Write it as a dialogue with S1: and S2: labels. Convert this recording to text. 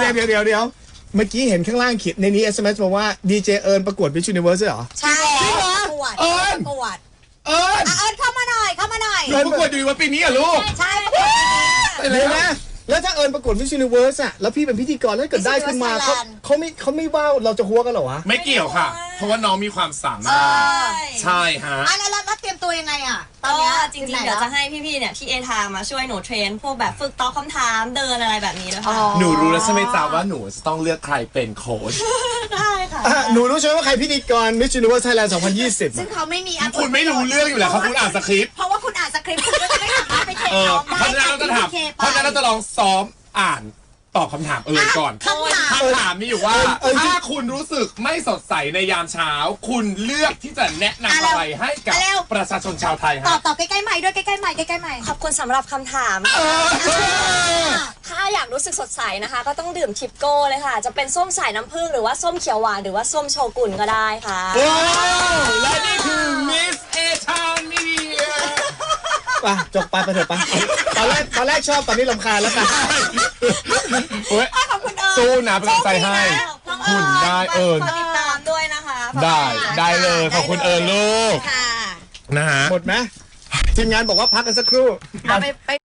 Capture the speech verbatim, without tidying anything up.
S1: ยวเดี๋ยวเดี๋ยวเดี๋ยวเมื่อกี้เห็นข้างล่างเขียนในนี้ เอส เอ็ม เอส บอกว่าดีเจเอิญประกวด Miss Universe เหรอ
S2: ใช่ประกวด
S1: เอิญ
S2: ประกวด
S1: เอิญ
S2: เอิญเข้ามาหน่อยเข้ามาหน่อย
S1: เอิญประกวดอยู่ว่าปีนี้อ่ะลูก
S2: ใช่
S1: เดี๋ยวนะแล้วถ้าเอิญประกวด Miss Universe อะแล้วพี่เป็นพิธีกรแล้วเกิดได้ขึ้นมาเขาเขาไม่เขาไม่ว่าเราจะหัวกันเหรอวะ
S3: ไม่เกี่ยวค่ะ เพราะว่าน้องมีความสามารถใช่ฮะ
S2: อ่ะแล้วแล้วเตรียมตัวยังไงอ่ะตอน
S4: ก็
S2: นี้
S4: จริงๆเดี๋ยวจะให้พี่ๆเนี่ยที่เอทางมาช่วยหนูเทรนพวกแบบฝึกตอบคำถามเดินอะไรแบบนี้ด้วยค่ะ
S3: หนูรู้แล้วใช่ไหมจ๊ะว่าหนูจะต้องเลือกใครเป็นโค้ช
S4: ได้ค่ะ
S1: อ่ะหนูรู้ใช่ไหมว่าใครพิธีกร Miss Universe Thailand สองพันยี่สิบ
S2: ซึ่งเขาไม่มีอ่ะ
S3: คุณไม่รู้เรื่องอยู่แล้วเขาคุณอ่านสคริปต์
S2: เพราะว่าคุณอ่านสคริปต์คุณก็จะไม่สามารถไปเทรน
S3: เออ
S2: น้อง
S3: เพราะฉะนั้นเราจะถามเพราะฉะนั้นเราจะลองซ้อมอ่านตอบคำถามเอิญก่อน
S2: คำถาม
S3: คำถามมีอยู่ว่าถ้าคุณรู้สึกไม่สดใสในยามเช้า คุณเลือกที่จะแนะนำอะไรให้กับประชาชนชาวไทย
S2: ตอ
S3: ฮะ
S2: บตอบใกล้ๆใหม่ด้วยใกล้ๆใหม่ใกล้ๆใหม่
S4: ขอบคุณสำหรับคำถาม ถ้าอยากรู้สึกสดใสนะคะ ก็ต้องดื่มทิปโก้เลยค่ะ จะเป็นส้มสายน้ำผึ้งหรือว่าส้มเขียวหวานหรือว่าส้มโชกุนก็ได้ค่ะ
S3: ว้าวและนี่คือ Miss A Town Media
S1: ป่ะจบไปไปเถอะป่ะตอนแรกตอนแรกชอบตอนนี้รำคาญแล้วกัน
S3: เฮ้ย
S2: ขอบคุณเอิญ
S3: สู้นะเป็นกำลังใจให้ คุณได้เอิญ
S4: ฝากติดตามด้วยนะคะ
S3: ได้ได้เลยขอบคุณเอิญลูก
S2: ค่ะ
S3: นะฮะ
S1: หมดไหมทีมงานบอกว่าพักกันสักครู่
S2: เอาไปไป